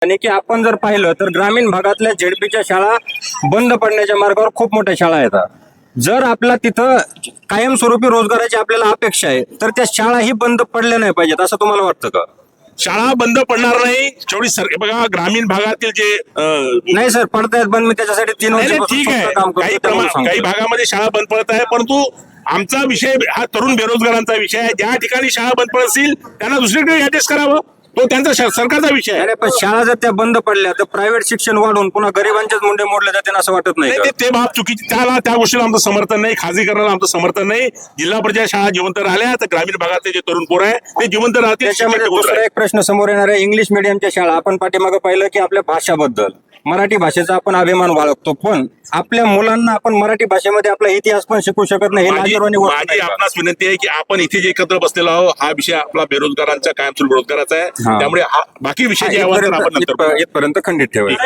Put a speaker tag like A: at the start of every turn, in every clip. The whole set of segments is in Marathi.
A: आणि की आपण जर पाहिलं तर ग्रामीण भागातल्या झेडपीच्या शाळा बंद पडण्याच्या मार्गावर खूप मोठ्या शाळा येतात. जर आपला तिथं कायमस्वरूपी रोजगाराची आपल्याला अपेक्षा आहे तर त्या शाळाही बंद पडल्या नाही पाहिजेत असं तुम्हाला वाटतं का?
B: शाळा बंद पडणार नाही जेवढी बघा ग्रामीण भागातील जे
A: नाही सर, पडतायत बंद. मी त्याच्यासाठी 3
B: नाही,
A: वर्ष
B: ठीक आहे
A: काम
B: काही
A: करतो त्यामुळे सांगतो.
B: काही भागामध्ये शाळा बंद पडत आहे, परंतु आमचा विषय हा तरुण बेरोजगारांचा विषय आहे. ज्या ठिकाणी शाळा बंद पडत असतील त्यांना दुसरीकडे ऍडजस्ट करावं, तो त्यांचा सरकारचा विषय आहे.
A: अरे पण शाळा जर त्या बंद पडल्या तर प्रायव्हेट शिक्षण वाढून पुन्हा गरिबांचेच मुंडे मोडले जाते असं वाटत नाही का?
B: ते बाब चुकीची, त्या गोष्टीला आमचं समर्थन नाही, खाजगीकरणाला आमचं समर्थन नाही. जिल्हा परिषद शाळा जिवंत राहिल्या तर ग्रामीण भागातले जे तरुण पोर आहे ते जिवंत राहतील.
A: त्याच्यामध्ये दुसरा एक प्रश्न समोर येणार आहे, इंग्लिश मिडियमच्या शाळा. आपण पाठीमागे पाहिलं की आपल्या भाषाबद्दल मराठी भाषेचा आपण अभिमान बाळगतो, पण आपल्या मुलांना आपण मराठी भाषेमध्ये आपला इतिहास पण शिकू शकत नाही.
B: माझी आपणास विनंती आहे की आपण इथे जे एकत्र बसलेलो आहोत हा विषय आपला बेरोजगारांचा कायमस्वरूपी रोजगाराचा आहे. त्यामुळे बाकी विषय जे आपण नंतर
A: इथपर्यंत खंडित ठेवायचं.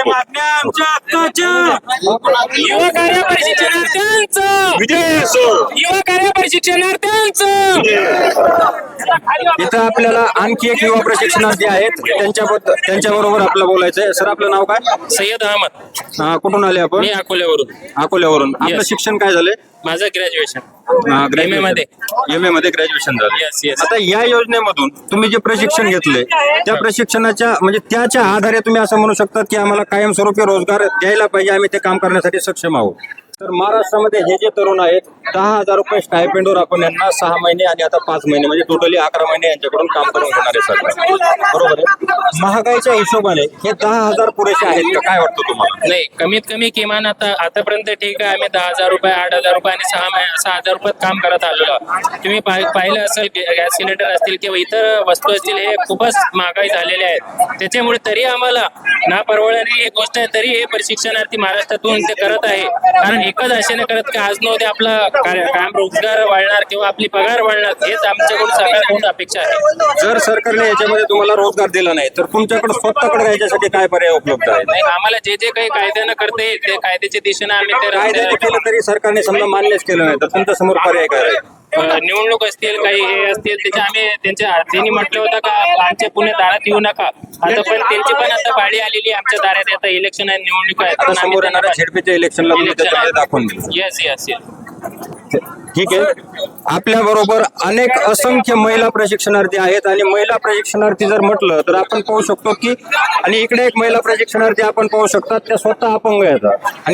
C: युवा कार्य प्रशिक्षणार्थ्यांचं
B: विजय असो.
C: युवा कार्य प्रशिक्षणार्थ्यांचं
A: इथं आपल्याला आणखी एक युवा प्रशिक्षणार्थी आहेत, त्यांच्याबरोबर आपलं बोलायचं आहे. सर, आपलं नाव काय?
C: सय्यद अहमद.
A: कुठून आले आपण?
C: मी अकोल्यावरून.
A: अकोल्यावरून. आपलं शिक्षण काय झालंय?
C: माझं ग्रॅज्युएशन
A: MA मध्ये ग्रॅज्युएशन झालं.
C: Yes, yes.
A: आता या योजनेमधून तुम्ही जे प्रशिक्षण घेतले त्या प्रशिक्षणाच्या म्हणजे त्याच्या आधारे तुम्ही असं म्हणू शकता की आम्हाला कायमस्वरूपी रोजगार द्यायला पाहिजे, आम्ही ते काम करण्यासाठी सक्षम आहोत. तर महाराष्ट्रामध्ये हे जे तरुण आहेत 10,000 रुपये स्टायपेंडवर आपण यांना 6 महिने आणि आता 5 महिने म्हणजे टोटली 11 महिने यांच्याकडून काम करून घेणार आहे सरकार, बरोबर आहे? महागाईच्या हिशोबाने हे 10,000 पुरेसे आहेत का, काय वाटतं तुम्हाला?
C: नाही, कमीत कमी किमान आतापर्यंत ठीक आहे. आम्ही 10,000 रुपये 8,000 रुपये आणि 6,000 रुपयात काम करत आलेलो आहोत. तुम्ही पाहिलं असेल गॅस सिलेंडर असतील किंवा इतर वस्तू असतील हे खूपच महागाई झालेले आहेत. त्याच्यामुळे तरी आम्हाला ना परवडणारी एक गोष्ट आहे, तरी हे प्रशिक्षणार्थी महाराष्ट्रातून ते करत आहे. कारण एकच आशेने करत की आज न उद्या आपला काम रोजगार वाढणार किंवा आपली पगार वाढणार, हेच आमच्याकडून सरकारकडून अपेक्षा आहे.
A: जर सरकारने याच्यामध्ये तुम्हाला रोजगार दिला नाही तर तुमच्याकडे स्वतःकडे याच्यासाठी काय पर्याय उपलब्ध आहेत?
C: नाही, आम्हाला जे जे काही कायद्यानं करते ते कायद्याच्या दिशेनं आम्ही
A: कायद्याने
C: ते
A: केलं तरी सरकारने समजा मान्यच केलं नाही तर तुमच्या समोर पर्याय काय राहील?
C: निवडणूक असतील काही हे असतील त्याच्या आम्ही त्यांनी म्हटलं होतं का आमच्या पुणे दारात येऊ नका. आता पण त्यांची पण आता पाळी आलेली आहे आमच्या दारात. आता इलेक्शन आहे, निवडणूक आहे,
A: आता समोर येणाऱ्या झेडपीच्या इलेक्शनला तुम्ही त्याच्यामध्ये दाखवून दिलं.
C: Yes yes yes.
A: ठीक आहे. आपल्या बरोबर अनेक असंख्य महिला प्रशिक्षणार्थी आहेत आणि महिला प्रशिक्षणार्थी जर म्हटलं तर आपण पाहू शकतो की आणि इकडे एक महिला प्रशिक्षणार्थी आपण पाहू शकतात त्या स्वतः अपंग आहेत.